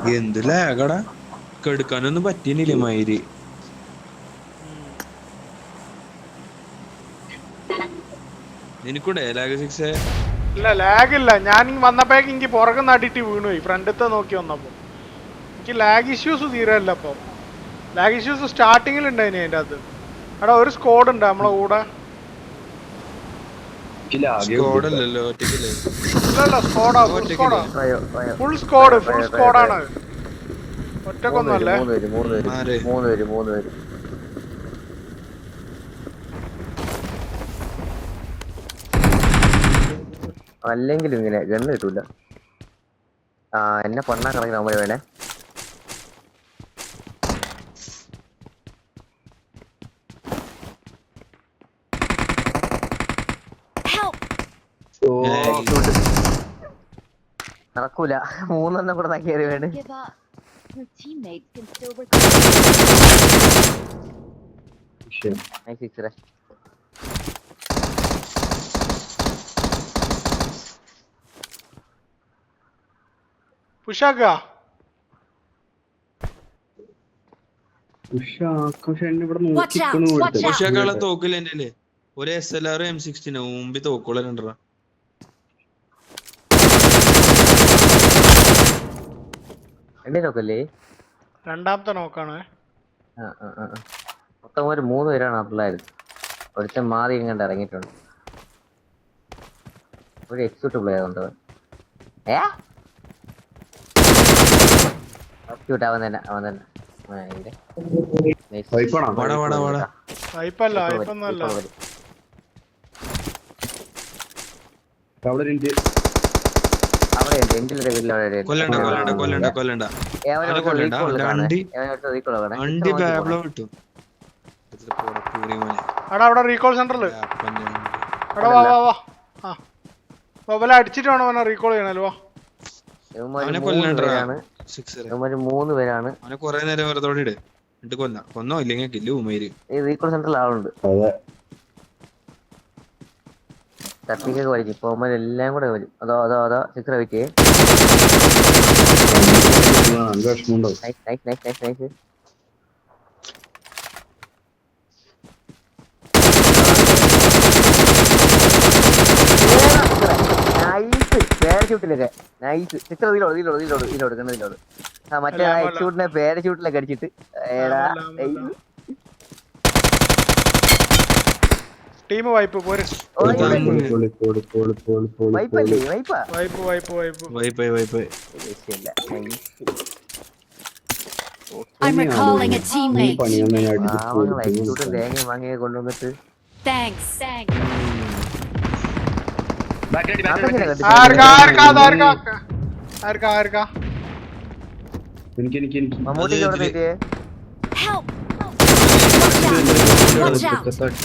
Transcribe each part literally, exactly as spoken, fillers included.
എന്ത് ലാഗടാ കെടുക്കാനൊന്നും പറ്റിയില്ലേ മയില് നിനക്കൂടെ ലാഗ് സിക്സ് ഇല്ല ലാഗ് ഇല്ല ഞാൻ വന്നപ്പോഴേക്ക് എനിക്ക് പുറകുന്ന അടിയിട്ട് വീണുപോയി ഫ്രണ്ടത്തെ നോക്കി വന്നപ്പോ എനിക്ക് ലാഗ് ഇഷ്യൂസ് തീരല്ല അപ്പൊ ലാഗ് ഇഷ്യൂസ് സ്റ്റാർട്ടിങ്ങിൽ ഉണ്ടായിനി അതിന്റെ അകത്ത് എടാ ഒരു സ്ക്വാഡ് ഉണ്ട് നമ്മളെ കൂടെ സ്കോഡല്ലല്ലോ ഒറ്റയ്ക്കല്ലേ ഇല്ലല്ല സ്ക്വാഡാ ഫുൾ സ്ക്വാഡാ ഫുൾ സ്ക്വാഡ് ഫുൾ സ്ക്വാഡാണ് ഒറ്റക്കൊന്നും അല്ലേ മൂന്ന് പേര് മൂന്ന് പേര് അല്ലെങ്കിലും ഇങ്ങനെ ഗണ്ണ് കിട്ടൂല ആ എന്നെ പണ്ണാ കണക്കിന് നമ്മള് വേണേ നടക്കൂല മൂന്നെണ്ണം കൂടെ കയറി വേണേ പുഷാക്ക ഉഷാക്കളെ തോക്കില്ല എന്റെ ഒരു എസ് എൽ ആർ എം സിക്സ്റ്റീനോ മുമ്പിൽ തോക്കുള്ള രണ്ടര എന്റെ നോക്കല്ലേ രണ്ടാമത്തെ നോക്കാണ് മൊത്തം ഒരു മൂന്ന് പേരാണ് ആ പിള്ളേർ ഒരുത്തൻ മാറി ഇങ്ങോട്ട് ഇറങ്ങിയിട്ടുണ്ട് ഒരു എക്സിറ്റ് പ്ലെയർ ഉണ്ട് ഏ അവൻ തന്നെ അവൻ തന്നെ വൈപ്പല്ല വൈപ്പൊന്നല്ല കൊല്ലണ്ട കൊല്ലണ്ട കൊല്ലണ്ട കൊല്ലണ്ട എടാ അവിടെ റീകോൾ സെന്ററിൽ എടാ വാ വാ വാ ആ വല അടിച്ചിട്ട് വേണം അവനെ റീകോൾ ചെയ്യണല്ലോ വാ മൂന്ന് പേരാണ് അവനെ കൊറേ നേരം വെറുതെ ഇട് എന്നിട്ട് കൊന്ന കൊന്നോ ഇല്ലെങ്കിൽ കില്ല് ഉമേര് റീകോൾ സെന്ററിൽ ആളുണ്ട് തട്ടിക്കൊക്കെ വലിക്കും ഇപ്പൊ അവന്മാർ എല്ലാം കൂടെ വരും അതോ അതോ അതോ six wait nice nice nice nice nice പാരഷൂട്ടിലൊക്കെ നൈസ് സിക്സ് ഇതിലോട് ഇതിലോട് ഇതിലോട് ഇതിലോട് കണ്ടു ഇതിലോട് ആ മറ്റേ എക്സ്ഷൂട്ടിനെ പാരഷൂട്ടിലൊക്കെ അടിച്ചിട്ട് ഏടാ ടീം വൈപ്പ് പോര് വൈപ്പല്ലേ വൈപ്പാ wipe wipe wipe wipe wipe I'm recalling a teammate. തേങ്ങ വാങ്ങിയ കൊണ്ടുവന്നിട്ട് Thanks. Thanks. ആർക്കാ ആർക്കാ ആർക്കാ ആർക്കാ ആർക്കാ മമ്മൂട്ടിക്ക് എവിടെ തെറ്റിയേ Help. Watch out. Watch out.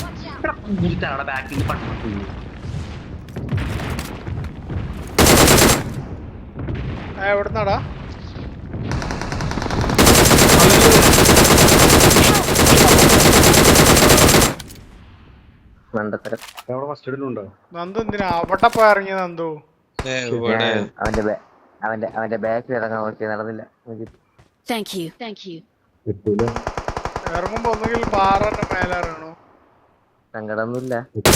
എവിടുന്നാടാ Nandu എന്തിനാ അവിടെ പോയി ഇറങ്ങിയ നന്ദു അവന്റെ അവന്റെ അവന്റെ ബാക്കിൽ ഇറങ്ങാൻ നോക്കി നടന്നില്ല Thank you. Thank you. ഇറങ്ങുമ്പോ ഒന്നുകിൽ പാറന്റെ മേലിറങ്ങണോ സങ്കടമൊന്നുമില്ല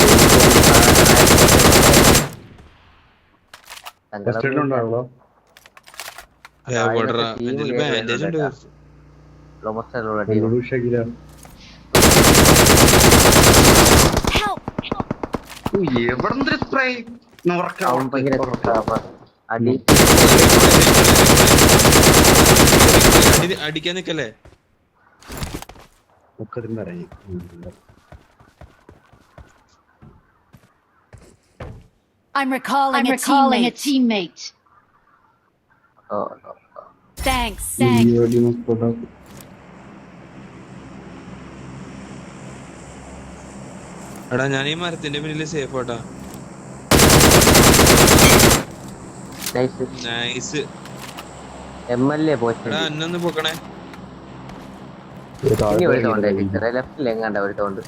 അടി അടിക്കാൻ നിക്കല്ലേ I'm recalling, I'm a, recalling teammate. a teammate. Oh, no. Thanks. Thanks. എടാ ഞാൻ ഈ മരത്തിന്റെ പിന്നില് സേഫ് ആട്ടാ നൈസ് എം എൽ എ പോയി എടാ എന്നൊന്ന് പൊക്കണേ ലെഫ്റ്റിൽ എങ്ങാണ്ട ഒരുത്തോണ്ട്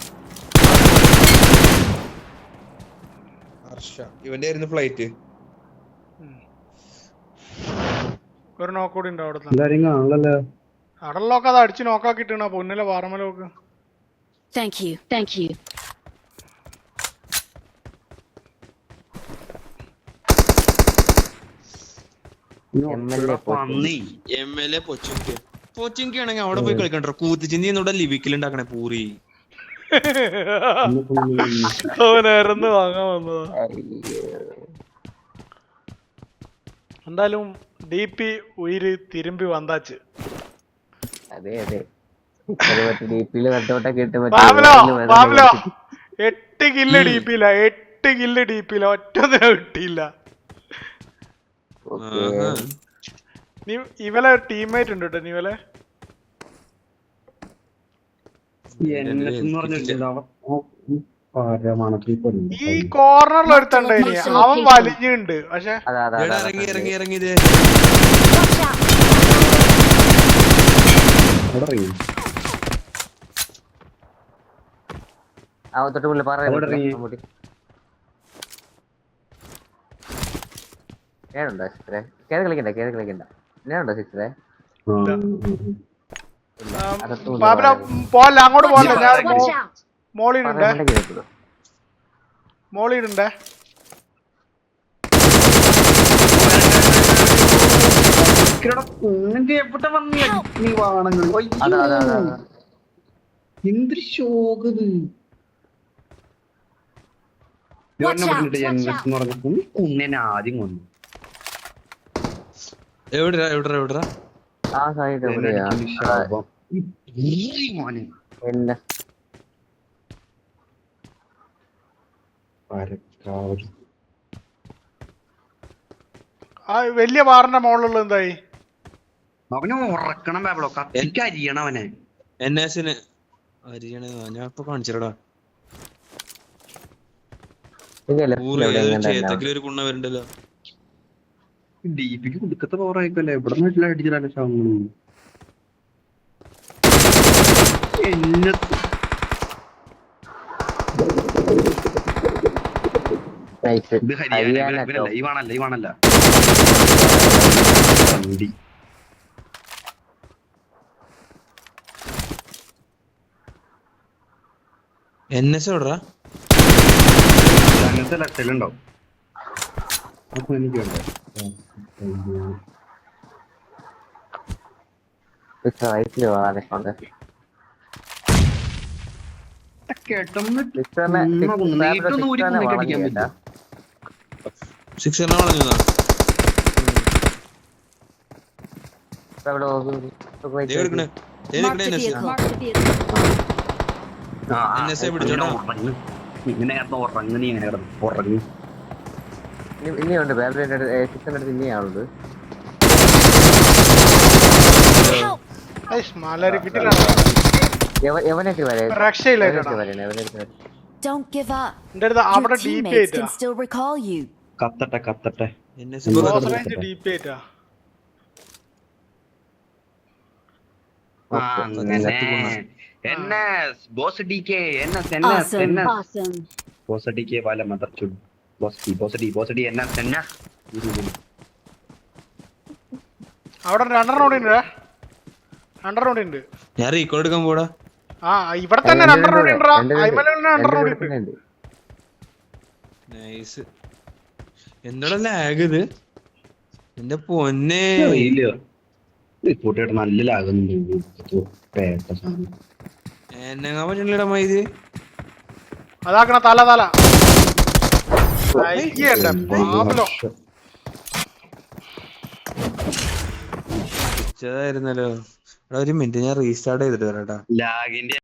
ഇവന്റെ ആയിരുന്നു ഫ്ലൈറ്റ് ഒരു നോക്ക് കൂടി ഉണ്ട് അവിടെ എല്ലാരും കാണല്ലോ. അടലൊക്കെ അത് അടിച്ച് നോക്കാക്കിട്ടാ പൊന്നിലെ വാറമലോക്ക്. Thank you. Thank you. പന്നി എം എൽ എ പൊച്ചുങ്കി പൊച്ചുങ്കി ആണെങ്കിൽ അവിടെ പോയി കളിക്കണ്ടോ. കൂത്തിച്ചിന്തി എന്നോട് ലിവിക്കിലുണ്ടാക്കണേ പൂറി. അവനായിരുന്നു വാങ്ങാൻ വന്നതാ. എന്തായാലും ഡി പി ഉയിര് തിരുമ്പി വന്നാച്ച്. അതെ അതെ ഡിപിയില് കണ്ടോട്ടൊക്കെ ഇട്ട് പാബ്ലോ പാബ്ലോ എട്ട് കില്ല് ഡി പിയില എട്ട് കില്ല് ഡി പിയില ഒറ്റൊന്നിനെ കിട്ടിയില്ല. നീ ഇവലെ ടീംമേറ്റ് ഉണ്ട് കേട്ടോ. നീ ഇവലെ ഈ കോർണറിൽ ഒരുത്തണ്ടായിനി. അവൻ വലിഞ്ഞുണ്ട്. പക്ഷെ ഇറങ്ങി ഇറങ്ങി ഇറങ്ങി ഇത് തൊട്ട് പുള്ളി പറയുന്നുണ്ടോ സിക്സറെ? കേറി കളിക്കണ്ട കേറി കളിക്കണ്ട. ഞാനുണ്ടോ സിക്സറെ? പാബ്ലോ പോല്ല, അങ്ങോട്ട് പോല്ല. ഞാൻ മോളിടുണ്ടേ മോളിടുണ്ടേ എന്തൊരു ശോകത് കുന്നനെ ആദ്യം കൊന്നു. എവിടെടാ എവിടെടാ എവിടെടാ ആ സൈഡ് എവിടെയാ? എന്നെ ആ വലിയ ബാറിന്റെ മോളിലുള്ള എന്തായി? അവനെ ഉറക്കണം പാബ്ലോ, കത്തിക്ക് അരിയണം അവനെ. എൻ എസിന് അരിയണ ഞാൻ ഇപ്പൊ കാണിച്ചടാ. ചേത്തക്കിലൊരു കുണ്ണ വരുന്നുണ്ടല്ലോ. ഡിപിക്ക് കൊടുക്കത്തെ പവർ ആയിക്കല്ലേ. ഇവിടെ വീട്ടിൽ അടിച്ചിട്ടാണ് ശവങ്ങള്. എന്നെ ഇത് ഹരിയാന ലൈവാണല്ല ലൈവാണല്ല വണ്ടി. എൻ എസ് എവിടാ? അങ്ങനത്തെ ലക്ഷലുണ്ടാവും. അപ്പൊ എനിക്ക് വേണ്ട സിക്സ് കളഞ്ഞതാ. ഇനിയുണ്ട് സിക്സിനടുത്ത് ഇനിയാണുള്ളത്. എവനൊക്കെ രക്ഷയില്ല. Don't give up. Your Your teammates can still recall you. കത്തട്ടെ കത്തട്ടെ. ഡി പി ആയിട്ടാ. Bose D K Awesome. Awesome. Bose D K വാല മദർ ചുഡ്. Bose D Bose D Bose D എന്ന എന്ന അവിടെ രണ്ടെണ്ണം കൂടി ഉണ്ട്. രണ്ടെണ്ണം കൂടി ഉണ്ട്. ഞാൻ റീകോൾ എടുക്കാൻ പോടാ. ആ ഇവിടെ തന്നെ രണ്ടെണ്ണം കൂടി ഉണ്ട്. രണ്ടെണ്ണം കൂടി ഉണ്ട്. നൈസ്. എന്താ ലാഗ് ഇത്? എന്റെ പൊന്നെ കൂട്ടുകാട്ട് നല്ല ലാകുന്നുണ്ട്. എന്നെങ്ങാൻ പറ്റണില്ലടാ മൈത്. അതാക്കണ തല തല പാബ്ലോ ായിരുന്നല്ലോ. ഒരു മിനിറ്റ് ഞാൻ റീസ്റ്റാർട്ട് ചെയ്തിട്ട് വരാട്ടാ. ലാഗിന്റെ